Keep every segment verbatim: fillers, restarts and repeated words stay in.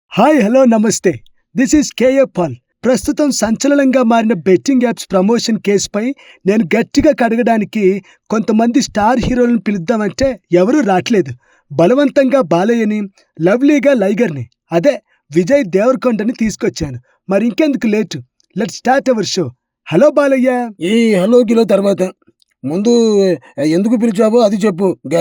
Hi hello నమస్తే. This is K A Paul. ప్రస్తుతం సంచలనంగా మారిన బెట్టింగ్ యాప్స్ ప్రమోషన్ కేసుపై నేను గట్టిగా కడగడానికి కొంతమంది స్టార్ హీరోలను పిలుద్దామంటే ఎవరూ రాట్లేదు. బలవంతంగా బాలయ్యని, లవ్లీగా లైగర్ని, అదే విజయ్ దేవరకొండని తీసుకొచ్చాను. మరి ఇంకెందుకు late, let start our show. Hello Balayya. ఈ హలో కిలో తర్వాత ముందు ఎందుకు పిలిచావో అది చెప్పు. గా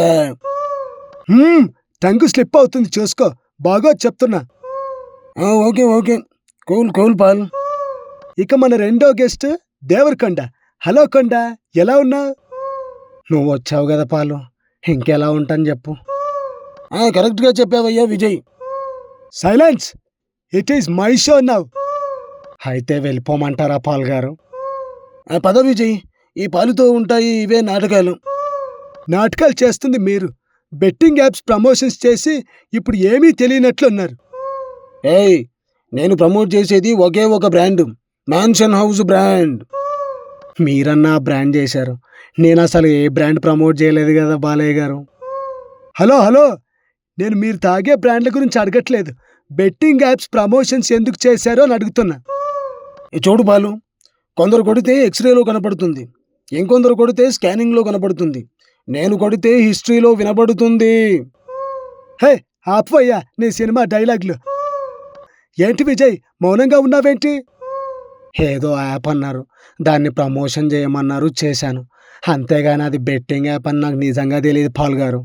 హ్మ్, టంగు స్లిప్ అవుతుంది చూసుకో. బాగా చెప్తున్నా. ఆ, okay okay cool cool Paul. ఇక మన రెండో గెస్ట్ దేవరకొండ. హలో కొండ, ఎలా ఉన్నావు? నువ్వు వచ్చావు కదా పాలు, ఇంకెలా ఉంటాను చెప్పు. ఆ, కరెక్ట్గా చెప్పావయ్యా Vijay. Silence, it is my show now. అయితే వెళ్ళిపోమంటారా పాల్ గారు? ఆ, పద విజయ్, ఈ పాలుతో ఉంటాయి ఇవే నాటకాలు. నాటకాలు చేస్తుంది మీరు. బెట్టింగ్ యాప్స్ ప్రమోషన్స్ చేసి ఇప్పుడు ఏమీ తెలియనట్లున్నారు. ఏయ్, నేను ప్రమోట్ చేసేది ఒకే ఒక బ్రాండ్, మ్యాన్షన్ హౌస్ బ్రాండ్. మీరన్నా బ్రాండ్ చేశారు, నేను అసలు ఏ బ్రాండ్ ప్రమోట్ చేయలేదు కదా బాలయ్య గారు. హలో హలో, నేను మీరు తాగే బ్రాండ్ల గురించి అడగట్లేదు. బెట్టింగ్ యాప్స్ ప్రమోషన్స్ ఎందుకు చేశారో అని అడుగుతున్నా. ఈ చూడు బాలు, కొందరు కొడితే ఎక్స్రేలో కనపడుతుంది, ఇంకొందరు కొడితే స్కానింగ్లో కనపడుతుంది, నేను కొడితే హిస్టరీలో వినపడుతుంది. హే ఆపయ్యా నీ సినిమా డైలాగ్లు. ఏంటి విజయ్, మౌనంగా ఉన్నావేంటి? ఏదో యాప్ అన్నారు, దాన్ని ప్రమోషన్ చేయమన్నారు, చేశాను. అంతేగాని అది బెట్టింగ్ యాప్ అని నాకు నిజంగా తెలియదు పాల్ గారు.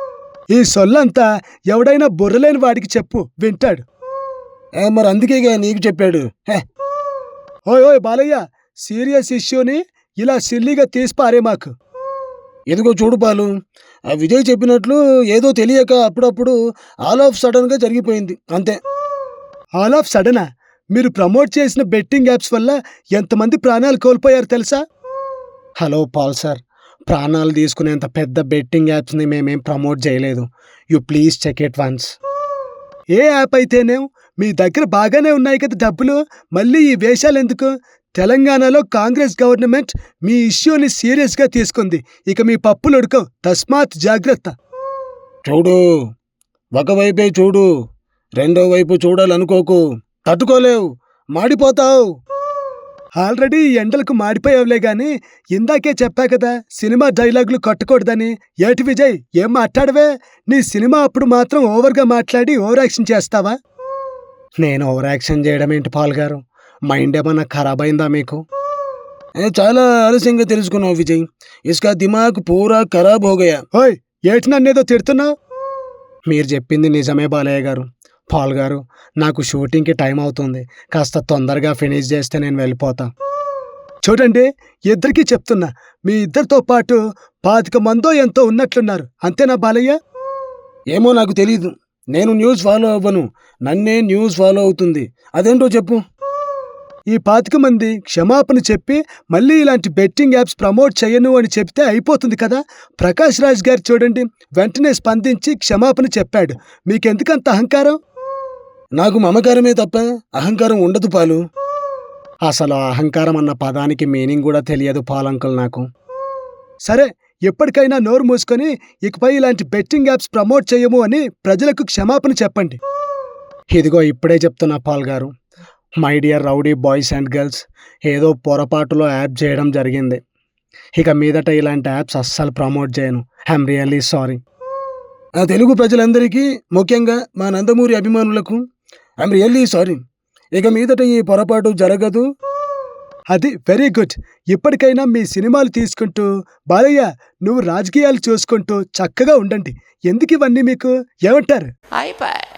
ఈ సొల్లంతా ఎవడైనా బుర్రలేని వాడికి చెప్పు, వింటాడు. ఏ, మరి అందుకేగా నీకు చెప్పాడు. హే, ఓయ్ ఓయ్ బాలయ్య, సీరియస్ ఇష్యూని ఇలా సిల్లీగా తీసిపారే మాకు. ఎదుగో చూడు పాలు, ఆ విజయ్ చెప్పినట్లు ఏదో తెలియక అప్పుడప్పుడు ఆల్ ఆఫ్ సడన్గా జరిగిపోయింది అంతే. ఆల్ ఆఫ్ సడనా? మీరు ప్రమోట్ చేసిన బెట్టింగ్ యాప్స్ వల్ల ఎంతమంది ప్రాణాలు కోల్పోయారు తెలుసా? హలో పాల్ సార్, ప్రాణాలు తీసుకునేంత పెద్ద బెట్టింగ్ యాప్స్ని మేమేం ప్రమోట్ చేయలేదు. You please check it once. ఏ యాప్ అయితేనేం, మీ దగ్గర బాగానే ఉన్నాయి కదా డబ్బులు, మళ్ళీ ఈ వేషాలు ఎందుకు? తెలంగాణలో కాంగ్రెస్ గవర్నమెంట్ మీ ఇష్యూని సీరియస్గా తీసుకుంది. ఇక మీ పప్పులు ఉడకవు, తస్మాత్ జాగ్రత్త. చూడు, ఒకవైపే చూడు, రెండో వైపు చూడాలనుకోకు, తట్టుకోలేవు, మాడిపోతావు. ఆల్రెడీ ఈ ఎండలకు మాడిపోయావులే గాని, ఇందాకే చెప్పా కదా సినిమా డైలాగులు కొట్టకూడదని. ఏటి విజయ్, ఏం మాట్లాడవే? నీ సినిమా అప్పుడు మాత్రం ఓవర్గా మాట్లాడి ఓవర్ యాక్షన్ చేస్తావా? నేను ఓవర్ యాక్షన్ చేయడం ఏంటి పాల్ గారు? మైండ్ ఏమన్నా ఖరాబ్ అయిందా మీకు? ఏ, చాలా ఆలస్యంగా తెలుసుకున్నావు విజయ్. ఇస్కా దిమాగ్ పూరా ఖరాబ్ హోగయా. ఓయ్, ఏటి నన్నేదో తిడుతున్నావు? మీరు చెప్పింది నిజమే బాలయ్య గారు. పాల్ గారు, నాకు షూటింగ్కి టైం అవుతుంది, కాస్త తొందరగా ఫినిష్ చేస్తే నేను వెళ్ళిపోతా. చూడండి, ఇద్దరికీ చెప్తున్నా, మీ ఇద్దరితో పాటు పాతిక మందో ఎంతో ఉన్నట్లున్నారు, అంతేనా బాలయ్య? ఏమో నాకు తెలీదు, నేను న్యూస్ ఫాలో అవ్వను, నన్నే న్యూస్ ఫాలో అవుతుంది. అదేంటో చెప్పు. ఈ పాతిక మంది క్షమాపణ చెప్పి మళ్ళీ ఇలాంటి బెట్టింగ్ యాప్స్ ప్రమోట్ చేయను అని చెప్తే అయిపోతుంది కదా. ప్రకాష్ రాజ్ గారు చూడండి, వెంటనే స్పందించి క్షమాపణ చెప్పాడు. మీకెందుకంత అహంకారం? నాకు మమకారమే తప్ప అహంకారం ఉండదు పాలు. అసలు అహంకారం అన్న పదానికి మీనింగ్ కూడా తెలియదు పాలంకుల్ నాకు. సరే, ఎప్పటికైనా నోరు మూసుకొని ఇకపై ఇలాంటి బెట్టింగ్ యాప్స్ ప్రమోట్ చేయము అని ప్రజలకు క్షమాపణ చెప్పండి. ఇదిగో ఇప్పుడే చెప్తున్నా పాల్ గారు. My dear rowdy boys and girls, ఏదో పొరపాటులో యాప్ చేయడం జరిగింది. ఇక మీదట ఇలాంటి యాప్స్ అస్సలు ప్రమోట్ చేయను. I'm really sorry. ఆ తెలుగు ప్రజలందరికీ, ముఖ్యంగా మా నందమూరి అభిమానులకు ఐఎమ్ రియల్లీ సారీ. ఇక మీదట ఈ పొరపాటు జరగదు. అది వెరీ గుడ్. ఇప్పటికైనా మీ సినిమాలు తీసుకుంటూ, బాలయ్య నువ్వు రాజకీయాలు చూసుకుంటూ చక్కగా ఉండండి. ఎందుకు ఇవన్నీ మీకు, ఏమంటారు? అయిపోయి